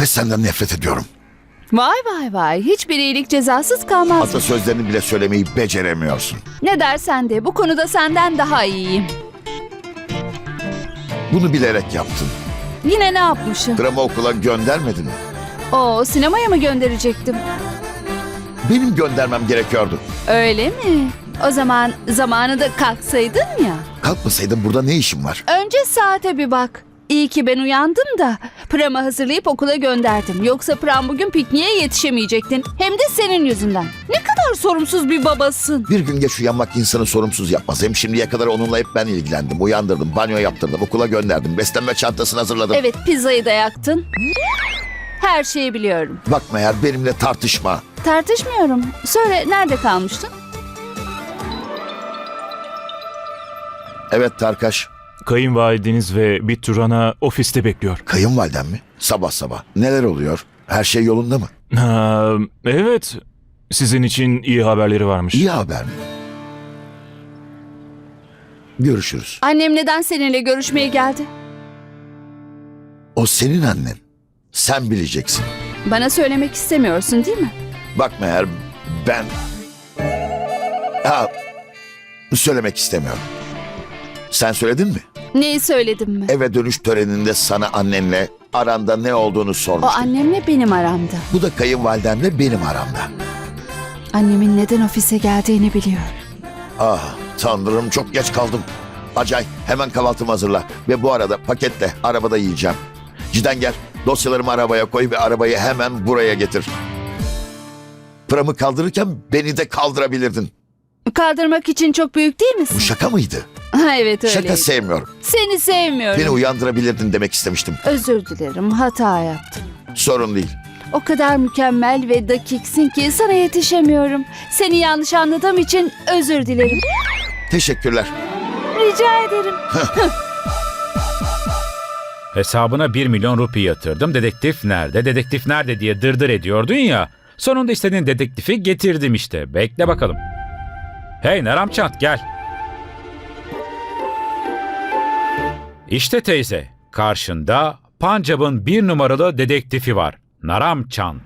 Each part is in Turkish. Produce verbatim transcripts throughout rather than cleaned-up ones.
ve senden nefret ediyorum. Vay vay vay. Hiçbir iyilik cezasız kalmaz. Atasözlerini bile söylemeyi beceremiyorsun. Ne dersen de bu konuda senden daha iyiyim. Bunu bilerek yaptın. Yine ne yapmışım? Pram'ı okula göndermedin mi? Oo, sinemaya mı gönderecektim? Benim göndermem gerekiyordu. Öyle mi? O zaman zamanında kalksaydın ya. Kalkmasaydın burada ne işin var? Önce saate bir bak. İyi ki ben uyandım da Pram'ı hazırlayıp okula gönderdim. Yoksa Pram bugün pikniğe yetişemeyecektin. Hem de senin yüzünden. Ne kadar sorumsuz bir babasın. Bir gün geç uyanmak insanı sorumsuz yapmaz. Hem şimdiye kadar onunla hep ben ilgilendim. Uyandırdım, banyo yaptırdım, okula gönderdim. Beslenme çantasını hazırladım. Evet, pizzayı da yaktın. Her şeyi biliyorum. Bakma eğer benimle tartışma. Tartışmıyorum. Söyle, nerede kalmıştın? Evet Tarkaş. Kayınvalideniz ve Bitturan'a ofiste bekliyor. Kayınvaliden mi? Sabah sabah. Neler oluyor? Her şey yolunda mı? Ha, evet. Sizin için iyi haberleri varmış. İyi haber mi? Görüşürüz. Annem neden seninle görüşmeye geldi? O senin annen. Sen bileceksin. Bana söylemek istemiyorsun değil mi? Bakma eğer ben... Ha, söylemek istemiyorum. Sen söyledin mi? Neyi söyledim mi? Eve dönüş töreninde sana annenle aranda ne olduğunu O sormuştum. annemle benim aramda. Bu da kayınvalidemle benim aramda. Annemin neden ofise geldiğini biliyor. Ah tanrım çok geç kaldım. Acay hemen kahvaltımı hazırla. Ve bu arada paketle arabada yiyeceğim. Cidden gel dosyalarımı arabaya koy ve arabayı hemen buraya getir. Pram'ı kaldırırken beni de kaldırabilirdin. Kaldırmak için çok büyük değil misin? Bu şaka mıydı? Ha, evet öyle. Şaka sevmiyorum. Seni sevmiyorum. Beni uyandırabilirdin demek istemiştim. Özür dilerim, hata yaptım. Sorun değil. O kadar mükemmel ve dakiksin ki sana yetişemiyorum. Seni yanlış anladığım için özür dilerim. Teşekkürler. Rica ederim. Hesabına bir milyon rupi yatırdım. Dedektif nerede? Dedektif nerede diye dırdır ediyordun ya. Sonunda istediğin dedektifi getirdim işte. Bekle bakalım. Hey Naramçant gel. İşte teyze. Karşında Pancab'ın bir numaralı dedektifi var. Naramçant.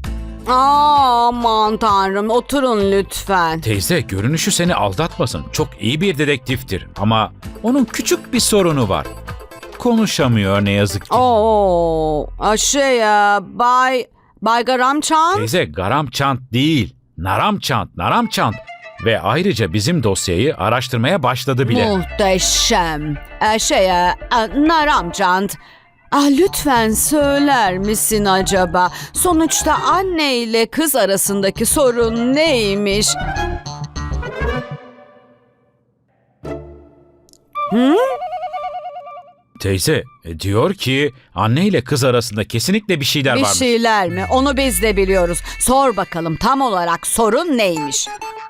Aman tanrım, oturun lütfen. Teyze görünüşü seni aldatmasın. Çok iyi bir dedektiftir ama onun küçük bir sorunu var. Konuşamıyor ne yazık ki. Oo, a, şey ya, Bay Bay Garamçan. Teyze Garamçant değil. Naramçant, Naramçant. Ve ayrıca bizim dosyayı araştırmaya başladı bile. Muhteşem. E, şey ya, e, Naramçan. Ah, lütfen söyler misin acaba? Sonuçta anne ile kız arasındaki sorun neymiş? Hı? Teyze e, diyor ki anne ile kız arasında kesinlikle bir şeyler Bir varmış. şeyler mi? Onu biz de biliyoruz. Sor bakalım tam olarak sorun neymiş?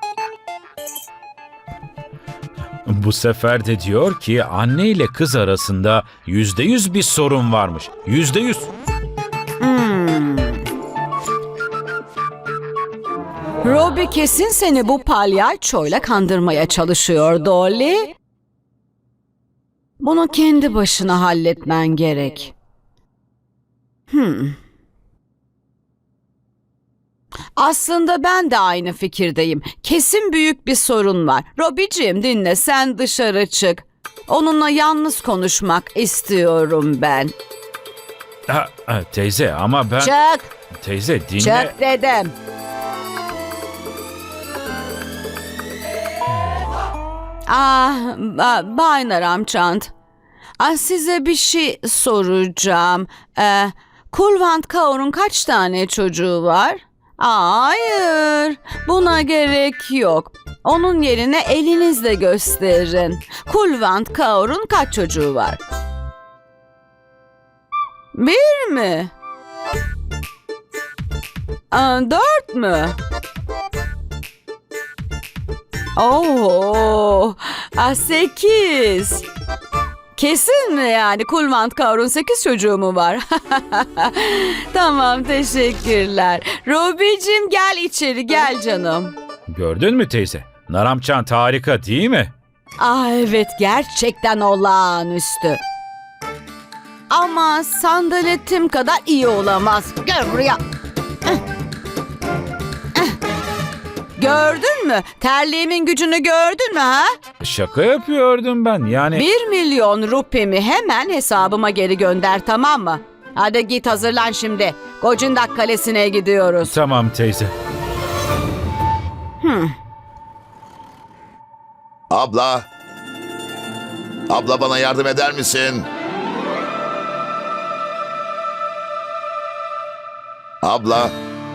Bu sefer de diyor ki anne ile kız arasında yüzde yüz bir sorun varmış. Yüzde yüz. Hmm. Robbie kesin seni bu palyaçoyla kandırmaya çalışıyor Dolly. Bunu kendi başına halletmen gerek. Hmm. Aslında ben de aynı fikirdeyim. Kesin büyük bir sorun var. Robbie'ciğim dinle, sen dışarı çık. Onunla yalnız konuşmak istiyorum ben. Ha, ha, teyze ama ben... Çık, Teyze dinle. çık dedim. Ah, ba- Bay Naramçant. Ah, size bir şey soracağım. Ee, Kulvant Kaur'un kaç tane çocuğu var? Aa, hayır, buna gerek yok. Onun yerine elinizle gösterin. Kulvant Kaur'un kaç çocuğu var? Bir mi? Aa, dört mü? Oo, ah, sekiz. Kesin mi yani? Kulvant Kaur'un sekiz çocuğu mu var? Tamam, teşekkürler. Robbie'cim gel içeri, gel canım. Gördün mü teyze? Naramçant harika değil mi? Ah evet, gerçekten olağanüstü. Ama sandaletim kadar iyi olamaz. Gel buraya. Gördün mü? Terliğimin gücünü gördün mü ha? Şaka yapıyordum ben yani. Bir milyon rupimi hemen hesabıma geri gönder, tamam mı? Hadi git, hazırlan şimdi. Gocindak Kalesi'ne gidiyoruz. Tamam teyze. Abla. Abla bana yardım eder misin? Abla.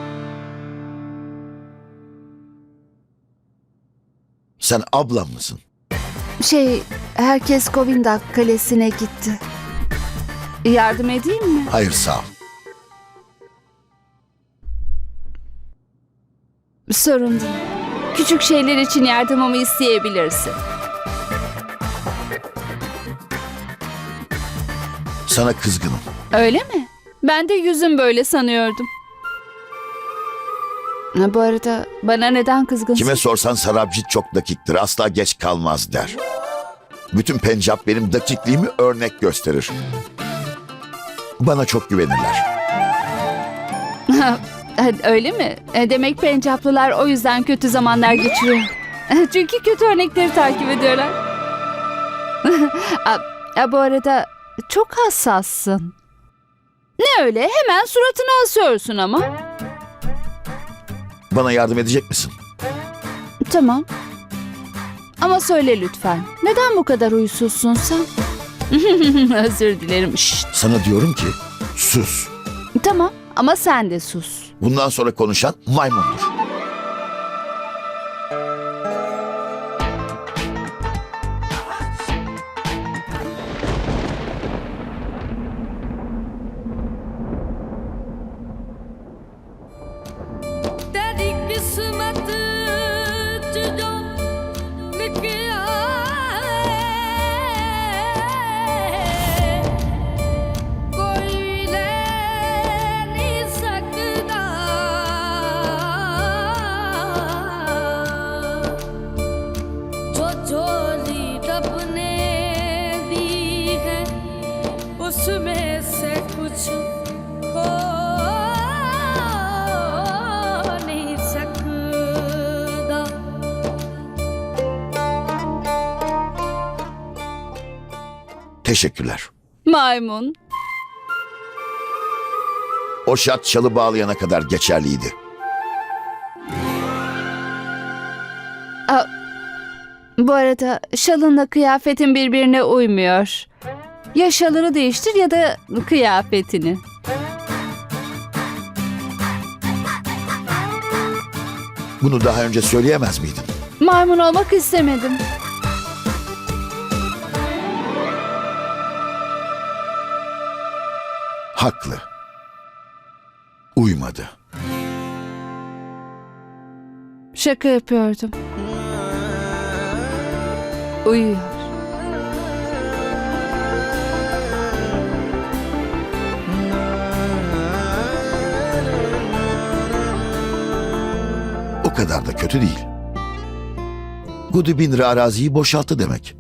Sen ablam mısın? Şey, herkes Govindak Kalesi'ne gitti. Yardım edeyim mi? Hayır sağ ol. Sorun değil. Küçük şeyler için yardımımı isteyebilirsin. Sana kızgınım. Öyle mi? Ben de yüzüm böyle sanıyordum. Ha, bu arada bana neden kızgınsın? Kime sorsan Sarabjit çok dakiktir. Asla geç kalmaz der. Bütün Pencap benim dakikliğimi örnek gösterir. Bana çok güvenirler. Öyle mi? E, Demek Pencaplılar o yüzden kötü zamanlar geçiriyor. Çünkü kötü örnekleri takip ediyorlar. A- a, Bu arada çok hassassın. Ne öyle? Hemen suratını asıyorsun ama. Bana yardım edecek misin? Tamam. Ama söyle lütfen. Neden bu kadar huysuzsun sen? Özür dilerim. Şşt. Sana diyorum ki sus. Tamam ama sen de sus. Bundan sonra konuşan maymundur. तेरी किस्मत च जो लिखिया है, कोई ले नहीं सकता। जो झोली रब ने दी है, उसमें से कुछ खो नहीं सकता। Teşekkürler. Maymun. O şart çalı bağlayana kadar geçerliydi. Aa, bu arada şalınla kıyafetin birbirine uymuyor. Ya şalını değiştir ya da kıyafetini. Bunu daha önce söyleyemez miydin? Maymun olmak istemedim. Haklı. Uymadı. Şaka yapıyordum. Uyuyor. O kadar da kötü değil. Gudu bin lira araziyi boşalttı demek.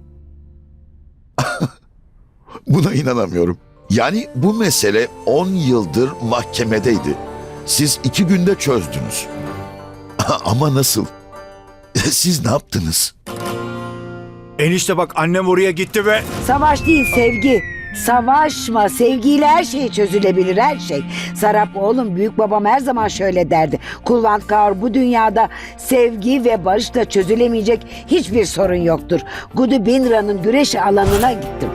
Buna inanamıyorum. Yani bu mesele on yıldır mahkemedeydi. Siz iki günde çözdünüz. Ama nasıl? Siz ne yaptınız? Enişte bak annem oraya gitti ve... Savaş değil sevgi. Savaşma. Sevgiyle her şey çözülebilir, her şey. Sarap oğlum, büyük babam her zaman şöyle derdi. Kulvant Kaur, bu dünyada sevgi ve barışla çözülemeyecek hiçbir sorun yoktur. Gudu Bindra'nın güreş alanına gittim.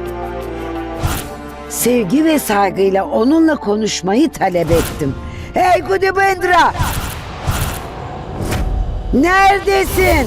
Sevgi ve saygıyla onunla konuşmayı talep ettim. Hey Gudu Bindra! Neredesin?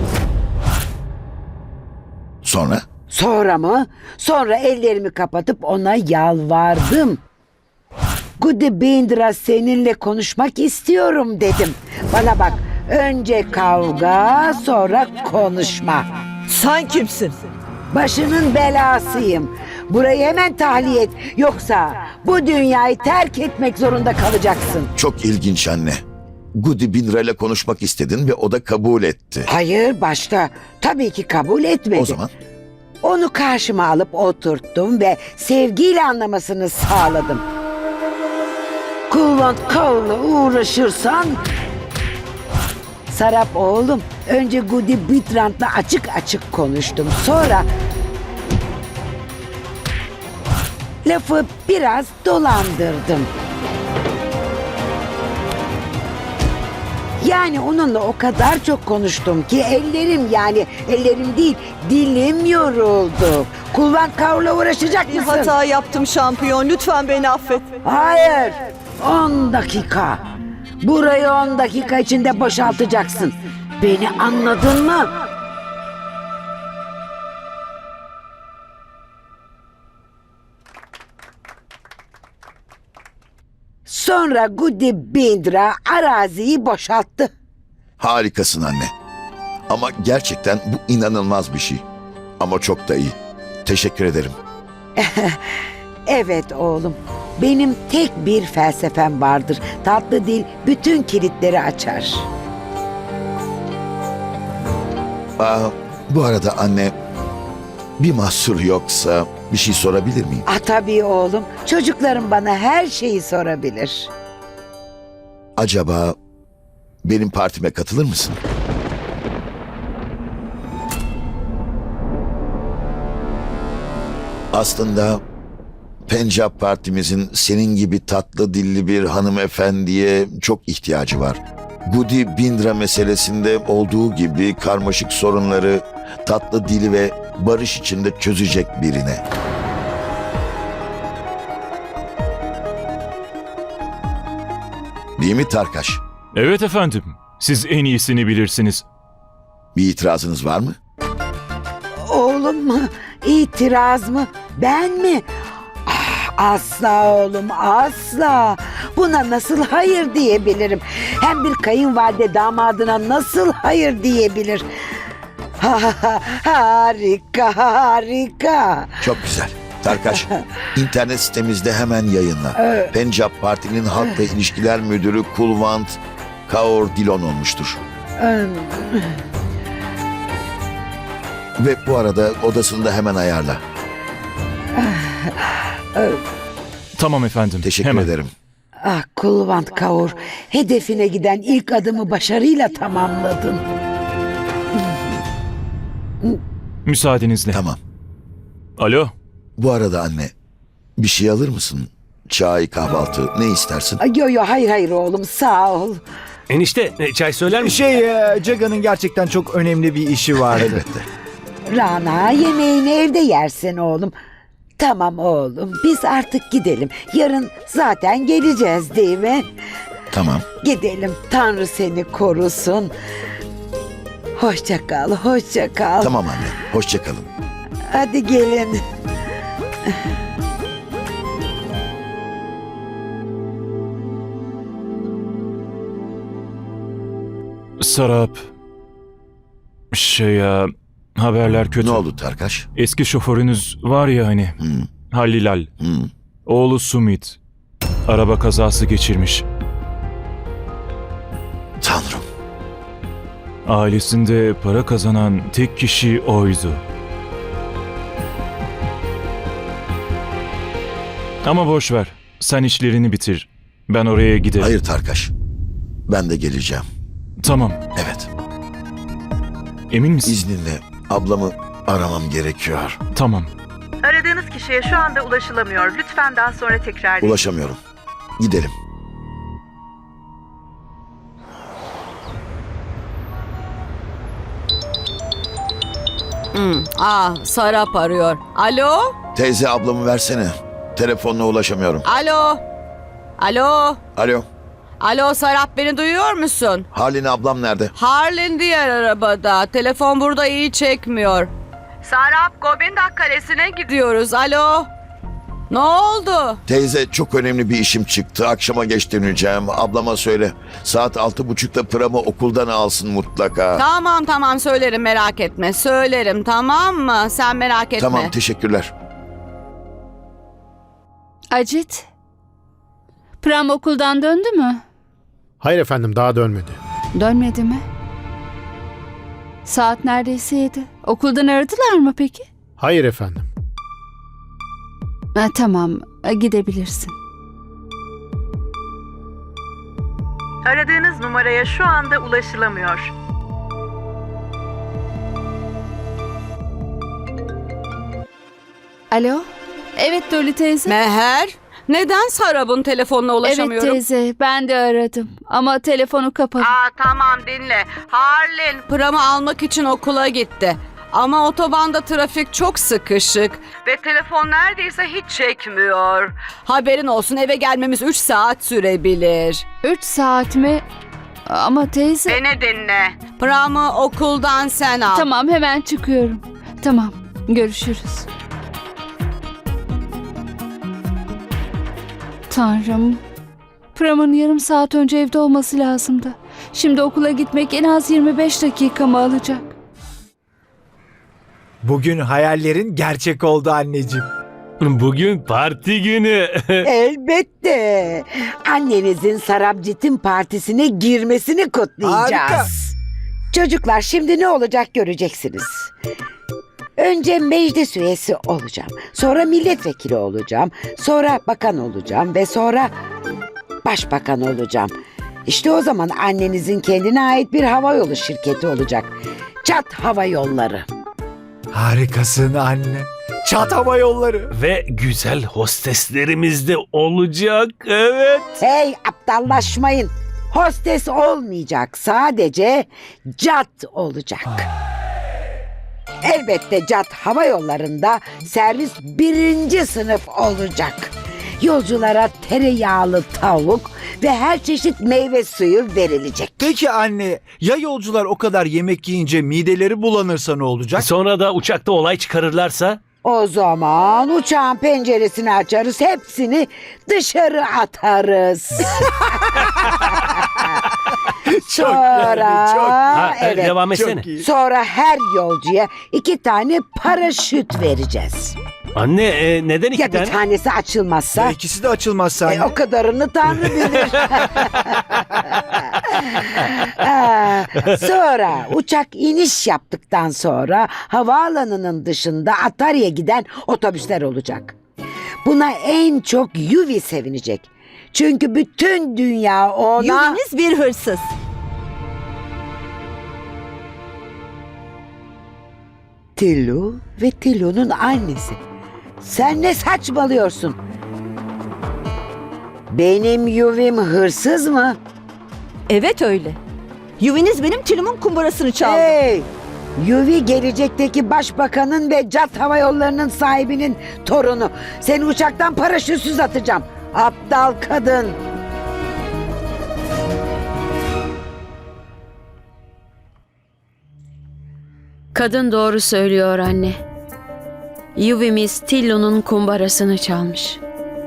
Sonra? Sonra mı? Sonra ellerimi kapatıp ona yalvardım. Gudu Bindra, seninle konuşmak istiyorum dedim. Bana bak, önce kavga, sonra konuşma. Sen kimsin? Başının belasıyım. Burayı hemen tahliye et. Yoksa bu dünyayı terk etmek zorunda kalacaksın. Çok ilginç anne. Gudu bin lira ile konuşmak istedin ve o da kabul etti. Hayır, başta tabii ki kabul etmedi. O zaman Onu karşıma alıp oturttum ve sevgiyle anlamasını sağladım. Kulvant Kaur'la uğraşırsan... Sarap oğlum, önce Gudi Bitrant'la açık açık konuştum. Sonra lafı biraz dolandırdım. Yani onunla o kadar çok konuştum ki ellerim, yani ellerim değil dilim yoruldu. Kulvant Kaur'la uğraşacak Bir mısın? hata yaptım şampiyon. Lütfen beni affet. Hayır. On dakika. Burayı on dakika içinde boşaltacaksın. Beni anladın mı? Sonra Gudi Bindra araziyi boşalttı. Harikasın anne. Ama gerçekten bu inanılmaz bir şey. Ama çok da iyi. Teşekkür ederim. Evet oğlum. Benim tek bir felsefem vardır. Tatlı dil bütün kilitleri açar. Aa, bu arada anne, bir mahsur yoksa bir şey sorabilir miyim? Ah tabii oğlum. Çocuklarım bana her şeyi sorabilir. Acaba benim partime katılır mısın? Aslında Pencap partimizin senin gibi tatlı dilli bir hanımefendiye çok ihtiyacı var. Gudi Bindra meselesinde olduğu gibi karmaşık sorunları tatlı dili ve barış içinde çözecek birine. Değil mi Tarkaş? Evet efendim. Siz en iyisini bilirsiniz. Bir itirazınız var mı? Oğlum mu? İtiraz mı? Ben mi? Ah, asla oğlum, asla. Buna nasıl hayır diyebilirim? Hem bir kayınvalide damadına nasıl hayır diyebilir? Ha, ha, ha, harika, harika. Çok güzel. Tarkaş, internet sitemizde hemen yayınla. Pencap Parti'nin Halkla İlişkiler Müdürü Kulvant Kaur Dilon olmuştur. Ve bu arada odasını da hemen ayarla. Tamam efendim. Teşekkür Hemen. ederim. Ah Kulvant Kaur, hedefine giden ilk adımı başarıyla tamamladın. Müsaadenizle. Tamam. Alo. Bu arada anne, bir şey alır mısın? Çay, kahvaltı, ne istersin? Ay, Yo yo hayır hayır oğlum, sağ ol. Enişte e, çay söyler misin? Şey, e, Jaga'nın gerçekten çok önemli bir işi vardı. Elbette. Rana, yemeğini evde yersin oğlum. Tamam oğlum, biz artık gidelim. Yarın zaten geleceğiz değil mi? Tamam. Gidelim, Tanrı seni korusun. Hoşça kal, hoşça kal. Tamam anne. Hoşça kalın. Hadi gelin. Sarap. Şey ya, haberler kötü. Ne oldu Tarkaş? Eski şoförünüz var ya hani. Hmm, Halilal. hmm. Oğlu Sumit. Araba kazası geçirmiş. Tanrım. Ailesinde para kazanan tek kişi oydu. Ama boş ver. Sen işlerini bitir. Ben oraya giderim. Hayır Tarkaş. Ben de geleceğim. Tamam. Evet. Emin misin? İzninle ablamı aramam gerekiyor. Tamam. Aradığınız kişiye şu anda ulaşılamıyor. Lütfen daha sonra tekrar edin. Ulaşamıyorum. Gidelim. Hmm. Ah, Sarap arıyor. Alo? Teyze ablamı versene. Telefonla ulaşamıyorum. Alo? Alo? Alo. Alo Sarap, beni duyuyor musun? Halin ablam nerede? Harlin diğer arabada. Telefon burada iyi çekmiyor. Sarap, Govindak Kalesi'ne gidiyoruz. Alo? Ne oldu? Teyze çok önemli bir işim çıktı. Akşama geç döneceğim. Ablama söyle. Saat altı buçukta Pram'ı okuldan alsın mutlaka. Tamam tamam söylerim, merak etme. Söylerim, tamam mı? Sen merak etme. Tamam, teşekkürler. Acit. Pram okuldan döndü mü? Hayır efendim, daha dönmedi. Dönmedi mi? Saat neredeyse yedi. Okuldan aradılar mı peki? Hayır efendim. Ha, tamam, e, gidebilirsin. Aradığınız numaraya şu anda ulaşılamıyor. Alo? Evet Dolly teyze. Meher, neden Sarap'ın telefonuna Evet ulaşamıyorum? teyze, ben de aradım ama telefonu kapalı. Aa, tamam dinle. Harlin Pram'ı almak için okula gitti. Ama otobanda trafik çok sıkışık. Ve telefon neredeyse hiç çekmiyor. Haberin olsun, eve gelmemiz üç saat sürebilir. Üç saat mi? Ama teyze... Beni dinle. Pram'ı okuldan sen al. Tamam, hemen çıkıyorum. Tamam, görüşürüz. Tanrım. Pram'ın yarım saat önce evde olması lazımdı. Şimdi okula gitmek en az yirmi beş dakikamı alacak. Bugün hayallerin gerçek oldu anneciğim. Bugün parti günü. Elbette. Annenizin Sarabjit'in partisine girmesini kutlayacağız. Harika. Çocuklar şimdi ne olacak göreceksiniz. Önce meclis üyesi olacağım. Sonra milletvekili olacağım. Sonra bakan olacağım ve sonra başbakan olacağım. İşte o zaman annenizin kendine ait bir havayolu şirketi olacak. Çat Hava Yolları. Harikasın anne. Çat hava yolları. Ve güzel hosteslerimiz de olacak. Evet. Hey, aptallaşmayın. Hostes olmayacak. Sadece cat olacak. Elbette cat hava yollarında servis birinci sınıf olacak. Yolculara tereyağlı tavuk ve her çeşit meyve suyu verilecek. Peki anne, ya yolcular o kadar yemek yiyince mideleri bulanırsa ne olacak? Sonra da uçakta olay çıkarırlarsa? O zaman uçağın penceresini açarız, hepsini dışarı atarız. Sonra, çok- Ha, evet, devam etsene. Çok iyi. sonra her yolcuya iki tane paraşüt vereceğiz. Anne e, neden iki Ya bir tane? tanesi açılmazsa? Ya ikisi de açılmazsa E, anne. o kadarını Tanrı bilir. Aa, sonra uçak iniş yaptıktan sonra havaalanının dışında Atarya'ya giden otobüsler olacak. Buna en çok Yuvi sevinecek. Çünkü bütün dünya ona... Yuviniz bir hırsız. Tillu ve Tillu'nun annesi. Sen ne saçmalıyorsun? Benim Yuvim hırsız mı? Evet öyle. Yuviniz benim tülümün kumbarasını çaldı. Hey! Yuvi gelecekteki başbakanın ve Cat Hava Yolları'nın sahibinin torunu. Seni uçaktan paraşütsüz atacağım. Aptal kadın. Kadın doğru söylüyor anne. Yuvimiz Tillo'nun kumbarasını çalmış.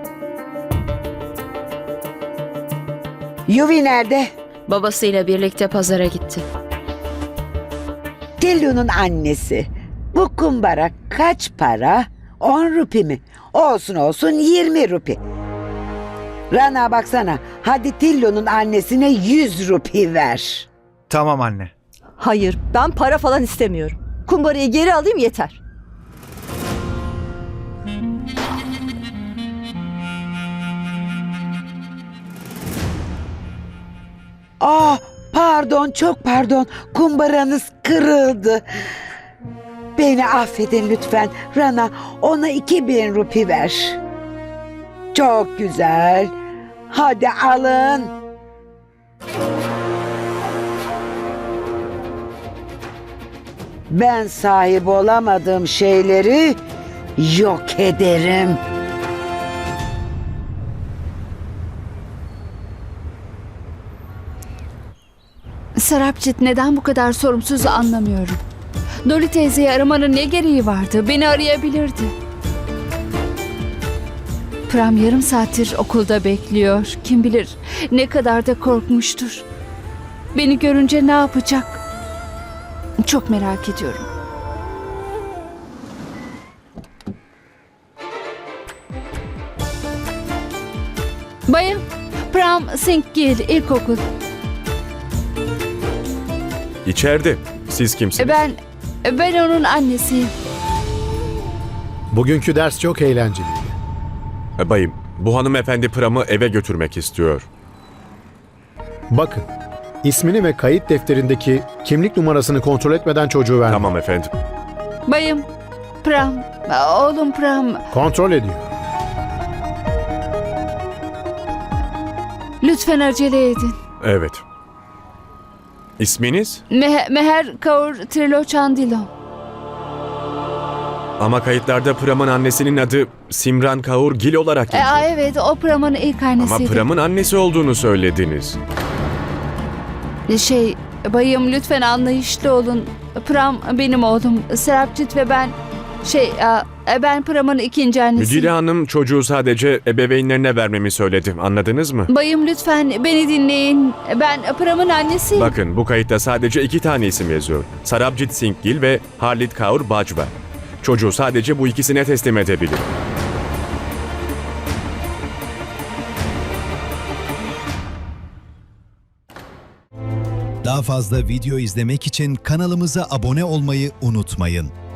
Yuvi nerede? Babasıyla birlikte pazara gitti. Tillu'nun annesi. Bu kumbara kaç para? On rupi mi? Olsun olsun yirmi rupi. Rana baksana. Hadi Tillu'nun annesine yüz rupi ver. Tamam anne. Hayır, ben para falan istemiyorum. Kumbarayı geri alayım yeter. Ah, pardon, çok pardon. Kumbaranız kırıldı. Beni affedin lütfen. Rana, ona iki bin rupi ver. Çok güzel. Hadi alın. Ben sahip olamadığım şeyleri yok ederim. Sarapjit neden bu kadar sorumsuz anlamıyorum. Dolly teyzeyi aramanın ne gereği vardı? Beni arayabilirdi. Pram yarım saattir okulda bekliyor. Kim bilir ne kadar da korkmuştur. Beni görünce ne yapacak? Çok merak ediyorum. Bayım, Pram Singh Gill, ilkokul. İçeride. Siz kimsiniz? Ben, ben onun annesiyim. Bugünkü ders çok eğlenceliydi. Bayım, bu hanımefendi Pram'ı eve götürmek istiyor. Bakın, ismini ve kayıt defterindeki kimlik numarasını kontrol etmeden çocuğu vermeyin. Tamam efendim. Bayım, Pram, oğlum Pram. Kontrol ediyor. Lütfen acele edin. Evet. İsminiz? Me- Meher Kaur Trilochandilon. Ama kayıtlarda Pram'ın annesinin adı Simran Kaur Gil olarak E, geçiyor. aa, evet, o Pram'ın ilk Ama annesiydi. Pram'ın annesi olduğunu söylediniz. Şey, bayım lütfen anlayışlı olun. Pram benim oğlum. Serapcit ve ben... Şey, aa, ben Pram'ın ikinci annesiyim. Müdire hanım çocuğu sadece ebeveynlerine vermemi söyledi. Anladınız mı? Bayım lütfen beni dinleyin. Ben Pram'ın annesiyim. Bakın bu kayıtta sadece iki tane isim yazıyor. Sarabjit Singh Gill ve Harlit Kaur Bajwa. Çocuğu sadece bu ikisine teslim edebilir. Daha fazla video izlemek için kanalımıza abone olmayı unutmayın.